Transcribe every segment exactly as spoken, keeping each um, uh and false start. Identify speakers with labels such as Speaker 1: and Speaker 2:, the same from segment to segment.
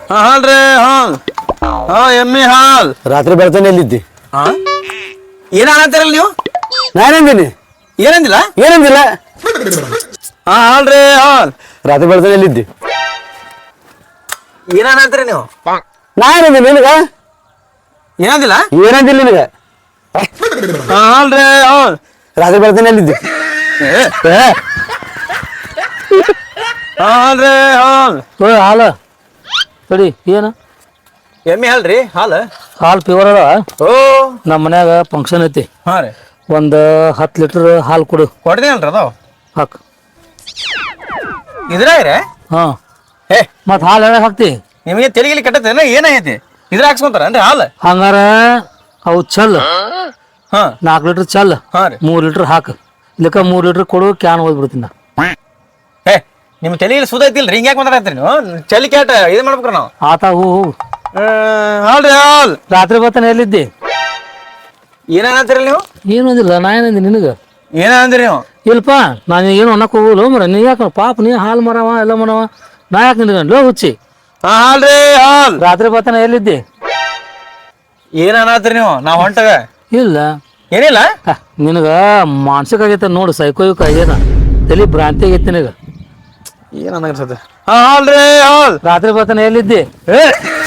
Speaker 1: ಹಾ ಹಾಲ್ರಿ ಹಾಲ್ ಹಾ ಎಮ್ಮಿ ಹಾಲ್
Speaker 2: ರಾತ್ರಿ ಬೆಳ್ತಾನೆ ಎಲ್ಲಿದ್ದಿ?
Speaker 1: ಹಾ ಏನ ಅನ್ನತ್ತೀರಲ್ಲ ನೀವು?
Speaker 2: ನಾನೇಂದಿನಿ
Speaker 1: ಏನಂದಿಲ್ಲ
Speaker 2: ಏನಂದಿಲ್ಲ.
Speaker 1: ಹಾ ಹಾಲ್ರಿ ಹಾಲ್
Speaker 2: ರಾತ್ರಿ ಬೆಳ್ತಾನೆ ಎಲ್ಲಿದ್ದಿ?
Speaker 1: ಏನ ಅನ್ನತ್ತೀರಿ ನೀವು?
Speaker 2: ನಾ ಏನಂದಿನಿ ನಿನಗ?
Speaker 1: ಏನಂದಿಲ್ಲ
Speaker 2: ಏನಂದಿಲ್ಲ ನಿನಗ?
Speaker 1: ಹಾ ಹಾಲ್ರಿ ಹಾಲ್
Speaker 2: ರಾತ್ರಿ ಬೆಳ್ತಾನೆ ಎಲ್ಲಿದ್ದಿ?
Speaker 1: ಹಾ ಹಾಲ್ರಿ ಹಾಲ್
Speaker 3: ಓ ಹಾಲು ತಡಿ ಏನು
Speaker 1: ಎಮ್ಮಿ ಹಾಲ್ರಿ ಹಾಲ್
Speaker 3: ಹಾಲು ಪ್ಯೂರ್ ಅದ.
Speaker 1: ಓ
Speaker 3: ನಮ್ಮ ಮನ್ಯಾಗ ಫಂಕ್ಷನ್ ಐತಿ,
Speaker 1: ಹಾ ರೀ
Speaker 3: ಒಂದು ಹತ್ತು ಲೀಟರ್ ಹಾಲು ಕೊಡು.
Speaker 1: ಕೊಡ್ತೀನಲ್ರಿ ಅದಾವ
Speaker 3: ಹಾಕ್.
Speaker 1: ಇದ್ರಾಗ್ರೆ
Speaker 3: ಹಾಂ
Speaker 1: ಹೇ
Speaker 3: ಮತ್ತು ಹಾಲು ಯಾವಾಗ ಹಾಕ್ತಿ?
Speaker 1: ನಿಮಗೆ ತೆಲಿಗಿಲಿ ಕಟ್ಟತ್ತೇನ ಏನೈತಿ ಇದ್ರ ಹಾಕ್ಸ್ಕೊಂತಾರನ್ರಿ ಹಾಲು?
Speaker 3: ಹಂಗಾರ ಅವು ಚಲ್
Speaker 1: ಹಾ
Speaker 3: ನಾಲ್ಕು ಲೀಟರ್ ಚಲ್
Speaker 1: ಹಾ ರೀ
Speaker 3: ಮೂರು ಲೀಟರ್ ಹಾಕು. ಇಲ್ಲಕ್ಕ ಮೂರು ಲೀಟರ್ ಕೊಡು, ಕ್ಯಾನ್ ಹೋಗ್ಬಿಡ್ತೀನಿ ನಾ.
Speaker 1: ಹೇ ನಿಮ್ಮ ತಲೆಯಲ್ಲಿ ಸುದ ಐತಿಲ್ರಿ ಹಿಂಗ್ ಯಾಕೆ ಮಾತಾಡ್ತೀರಿ ನೀವು? ಚಲಿ ಕ್ಯಾಟ ಇದು ಮಾಡ್ಬೇಕ್ರಿ ನಾವು.
Speaker 3: ಆತ ಹೂ ಹೋಗು.
Speaker 1: ಹಾಲ್ರಿ ಹಾಲ್
Speaker 3: ರಾತ್ರಿ ಬರ್ತಾನೆ ಎಲ್ಲಿದ್ದಿ?
Speaker 1: ಏನಂತೀರಿ ನೀವು?
Speaker 3: ಏನು ಅಂದಿಲ್ಲ, ನಾ ಏನಂದಿ ನಿನಗೆ?
Speaker 1: ಏನ ಅಂದ್ರಿ ನೀವು?
Speaker 3: ಇಲ್ಪ ನಾನು ಏನು ಅನ್ನಕ್ಕೆ ಹೋಗಲ್ಲ ಮರ. ನೀ ಯಾಕೆ ಪಾಪ ನೀ ಹಾಲು ಮರವ ಎಲ್ಲ ಮರವ, ನಾ ಯಾಕೆ ನಿನಗಂಡ್ಲೋ ಹುಚ್ಚಿ?
Speaker 1: ಹಾ ಹಾಲ್ರಿ ಹಾಲ್
Speaker 3: ರಾತ್ರಿ ಬರ್ತಾನೆ ಎಲ್ಲಿದ್ದಿ?
Speaker 1: ಏನ ಅನ್ನತ್ತೀರಿ ನೀವು? ನಾವ್ ಹೊಂಟಗ
Speaker 3: ಇಲ್ಲ
Speaker 1: ಏನಿಲ್ಲ.
Speaker 3: ನಿನಗ ಮಾನಸಿಕ ಆಗೈತೆ ನೋಡು, ಸೈಕೋಯುಕ ಆಗ್ಯದ, ತಲೆ ಭ್ರಾಂತಿ ಆಗೈತಿ ನಿನಗ.
Speaker 1: ಏನ್ ಅನ್ನಿಸ್ತದೆ? ಹಾ ಹಾಲ್ರಿ ಹಾಲ್
Speaker 3: ರಾತ್ರಿ ಬರ್ತಾನೆ ಎಲ್ಲಿದ್ದಿ?
Speaker 1: ಏ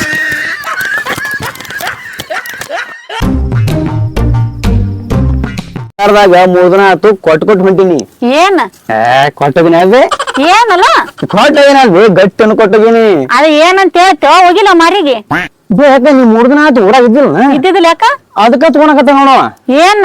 Speaker 2: ಮೂರ್ ದಿನ ಆಯ್ತು ಕೊಟ್ಟು ಕೊಟ್ಟು ಹೊಂಟೀನಿ.
Speaker 4: ಏನ್
Speaker 2: ಕೊಟ್ಟೋಗಿನ ಅದೇ
Speaker 4: ಏನಲ್ಲ
Speaker 2: ಕೊಟ್ಟೋಗಿನ ಅಲ್ವಿ ಗಟ್ಟನ್ನು ಕೊಟ್ಟೋಗಿನಿ.
Speaker 4: ಅದ ಏನಂತ ಹೇಳ್ತೇವ ಹೋಗಿಲ್ಲ ಮಾರಿಗೆ
Speaker 2: ಯಾಕ ನೀ ಮೂರ್ ದಿನ ಆಯ್ತು ಊರಾಗ ಇದ್ದಿಲ್ಲ,
Speaker 4: ಇದ್ದಿದ್ದಿಲ್ಲ ಯಾಕ
Speaker 2: ಅದಕ್ಕ ತಗೊಳಕತ್ತ ನೋಡವ.
Speaker 4: ಏನ್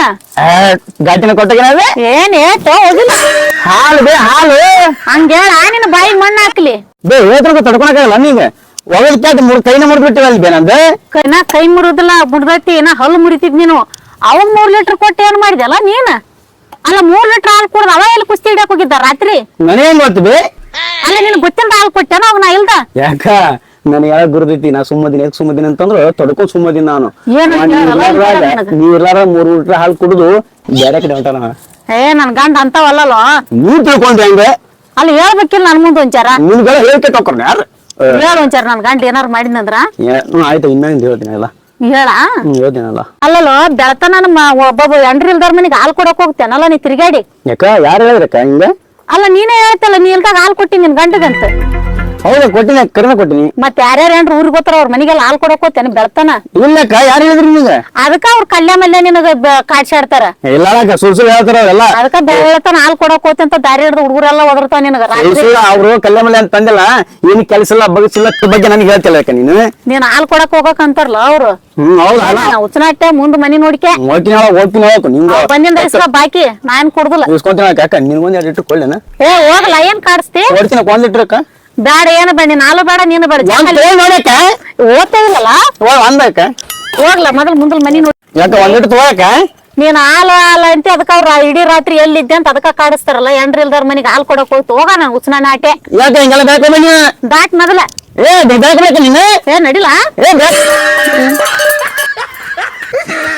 Speaker 2: ಗಟ್ಟಿನ ಕೊಟ್ಟೋಗಿನ ಅದೇ
Speaker 4: ಏನ್ ಹೇಳ್ತೇವ ಹೋಗಿಲ್ಲ.
Speaker 2: ಹಾಲು ಬೇ ಹಾಲು
Speaker 4: ಹಂಗ ಹೇಳ ನಿನ್ನ ಬಾಯಿ ಮಣ್ಣು ಹಾಕ್ಲಿ.
Speaker 2: ಬೇ ಹೇಳ್ತಾರ ತಡ್ಕೊಳಕಾಗಲ್ಲ ನೀಗ ಒಗದ್ ಕ್ಯಾಟ್ ಮೂರ್ ಕೈನ ಮುರ್ದ್ಬಿಟ್ಟಿವ ಅಲ್ಲಿ ಬೇ ನಂದು.
Speaker 4: ನಾ ಕೈ ಮುರಿದಿಲ್ಲ, ಮುರ್ದೈತಿ ನಾ ಹಲ್ಲು ಮುರಿತಿದ್ ನೀನು. ಅವಾಗ ಮೂರ್ ಲೀಟರ್ ಕೊಟ್ಟು ಏನ್ ಮಾಡಿದಲ್ಲ ನೀನ್? ಅಲ್ಲ ಮೂರ್ ಲೀಟರ್ ಹಾಲು ಕುಡ್ದ ಅವ ಎಲ್ಲಿ ಕುಸ್ತಿ ಹಿಡಿಯಕ್ ಹೋಗಿದ್ದ ರಾತ್ರಿ?
Speaker 2: ನನಗೇನ್ ಗೊತ್ತು ಬೇ?
Speaker 4: ಅಲ್ಲ ನಿನ್ ಗೊತ್ತಿಲ್ಲ ಹಾಲು ಕೊಟ್ಟೇನ ಅವಾಗ ನಾ ಇಲ್ದ?
Speaker 2: ಯಾಕ ನನಗೆ ಯಾವಾಗ ಗುರುದೈತಿ ನಾ ಸುಮ್ಮದಿನ ಯಾಕೆ ಸುಮ್ಮದಿನ ಅಂತಂದ್ರ ತಡ್ಕೊ ಸುಮ್ಮದಿನ ನಾನು.
Speaker 4: ಏನ್ ಅಂತ ಹೇಳಲ್ಲ, ಏನ್ ಹೇಳಲ್ಲ ನನಗ?
Speaker 2: ನೀ ಇರ್ಲಾರ ಮೂರ್ ಲೀಟರ್ ಹಾಲು ಕುಡಿದು ಬೇರೆ ಕಡೆ ಹೊಂಟಾನ.
Speaker 4: ಏ ನನ್ ಗಂಡ ಅಂತವಲ್ಲೋ.
Speaker 2: ನೀವ್ ತಿಳ್ಕೊಂಡ್ರಿ ಹಂಗ
Speaker 4: ಅಲ್ಲಿ ಹೇಳ್ಬೇಕಿಲ್ಲ ನನ್ ಮುಂದ್ ಒಂಚಾರ
Speaker 2: ನಿಮ್ಗೆಲ್ಲ ಹೇಳ್ಕೆ ತಕೊಂಡ್ರಿ ಯಾರು
Speaker 4: ಹೇಳ ಒಂಚಾರ ನನ್ ಗಂಡ ಏನಾರು ಮಾಡಿದ್ನಂದ್ರ?
Speaker 2: ಆಯ್ತು ಇನ್ಮೇಲಿಂದ ಹೇಳ್ತೀನಿ ಎಲ್ಲ.
Speaker 4: ಹೇಳ
Speaker 2: ಹ್ಮ್ ಹೇಳ್ತೀನಲ್ಲ.
Speaker 4: ಅಲ್ಲಲ್ಲೋ ಬೆಳತನ ನಮ್ಮ ಒಬ್ಬೊಬ್ಬ ಎಂಡ್ರಿ ಇಲ್ದವ್ರ ಮನಿಗೆ ಹಾಲು ಕೊಡಕ್ ಹೋಗ್ತೇನಲ್ಲ ನೀ ತಿರ್ಗಾಡಿ.
Speaker 2: ಯಾಕ ಯಾರು ಹೇಳಿದ್ರಕ್ಕ ಹಿಂಗ?
Speaker 4: ಅಲ್ಲ ನೀನೇ ಹೇಳ್ತಲ್ಲ ನೀ ಇಲ್ದಾಗ ಹಾಲು ಕೊಟ್ಟಿ ನಿನ್ ಗಂಡಗಂತ.
Speaker 2: ಹೌದಾ ಕೊಟ್ಟಿನಿ, ಕಡಿಮೆ ಕೊಟ್ಟಿನಿ.
Speaker 4: ಮತ್ ಯಾರ್ಯಾರ ಏನ್ರ ಊರಿಗೆ ಗೊತ್ತಾರ ಅವ್ರ ಮನಿಗೆಲ್ಲ ಹಾಲು ಕೊಡಕ್ ಹೋಗ್ತೇನೆ ಬೆಳತನ?
Speaker 2: ಇಲ್ಲಕ್ಕ ಯಾರು ಹೇಳಿದ್ರಿ ನಿಮ್ಗೆ?
Speaker 4: ಅದಕ್ಕ ಅವ್ರ ಕಲ್ಯ ಮಲ್ಯ ನಿನಗ ಕಾಡ್ಸಾಡ್ತಾರ.
Speaker 2: ಇಲ್ಲ ಸುಳ್ ಸುಳ್ಳು ಹೇಳ್ತಾರ ಅವ್ರೆಲ್ಲ.
Speaker 4: ಅದಕ್ಕ ಬೆಳತನ ಹಾಲು ಕೊಡಕ್ ಹೋಗ್ತಿ ಅಂತ ದಾರಿ ಹಿಡ್ದು ಹುಡುಗರೆಲ್ಲ ಒದರ್ತಾವ ನಿನಗ ರಾತ್ರಿ.
Speaker 2: ಅವ್ರು ಕಲ್ಯ ಮಲ್ಯ ಅಂತ ತಂದಿಲ್ಲ, ಏನ್ ಕೆಲಸ ಇಲ್ಲ ಬಗಸಿಲ್ಲ ಬಗ್ಗೆ ನನಗೆ ಹೇಳ್ತಿಲ್ಲ ಯಾಕ ನೀನು?
Speaker 4: ನೀನ್ ಹಾಲು ಕೊಡಕ್ ಹೋಗಕ್ ಅಂತಾರಲ್ಲ ಅವ್ರು.
Speaker 2: ಹ್ಮ್ ಹೌದಾ
Speaker 4: ಉಚ್ಚನಾಟ್ಯ ಮುಂದ್ ಮನಿ ನೋಡಿಕೆ
Speaker 2: ಹೋಗ್ತೀನಿ ಹೋಗ್ತೀನಿ ಹೋಗು ನಿಮ್ಗೆ
Speaker 4: ಬಂದಿಂದ ಇಸ್ಕ ಬಾಕಿ ನಾನ್ ಕೊಡುದಿಲ್ಲ.
Speaker 2: ಇಸ್ಕೊಂತೀನಿ ಯಾಕ ನಿನ್ಗೊಂದ್ ಎರಡು ಇಟ್ಟು ಕೊಳ್ಳೇನ?
Speaker 4: ಏ ಹೋಗ್ಲಾ ಏನ್ ಕಾಡಿಸ್ತಿ?
Speaker 2: ಕೊಡ್ತೀನಿ ಒಂದ್ ಇಟ್ರಕ್ಕ.
Speaker 4: ಬೇಡ ಏನ ಬೇಡ ನೀನ್ ಹಾಲು ಬೇಡ ನೀನು ಬೇಡ
Speaker 2: ನೋಡಕ್ಕ
Speaker 4: ಓದ್ತಾ ಇಲ್ಲಲ್ಲ
Speaker 2: ಒಂದಕ್ಕ
Speaker 4: ಹೋಗ್ಲಾ ಮೊದಲ್ ಮುಂದಲ್ ಮನಿ ನೋಡಿ.
Speaker 2: ಯಾಕ ಒಂದ್ ಇಟ್ಟು ತಗೋಯಕ?
Speaker 4: ನೀನ್ ಹಾಲು ಹಾಲು ಅಂತ ಅದಕ್ಕ ಅವ್ರ ಇಡೀ ರಾತ್ರಿ ಎಲ್ಲಿದ್ದೆ ಅಂತ ಅದಕ್ಕ ಕಾಡಿಸ್ತಾರಲ್ಲ ಎಂಡ್ರಿ ಇಲ್ದವ್ರ ಮನಿಗೆ ಹಾಲು ಕೊಡಕ್ ಹೋಯ್ತು ಹೋಗ ನನ್ ಉಚ್ಚನ ನಾಟೆ.
Speaker 2: ಯಾಕ ಹಿಂಗೆಲ್ಲ ಬೇಕು ಬನ್ನಿ?
Speaker 4: ದಾಟ್ ಮೊದಲ
Speaker 2: ಏ ಬೇಕು ನೀನು?
Speaker 4: ಏ ನಡಿಲಾ?
Speaker 2: ಏ ಬೇಕು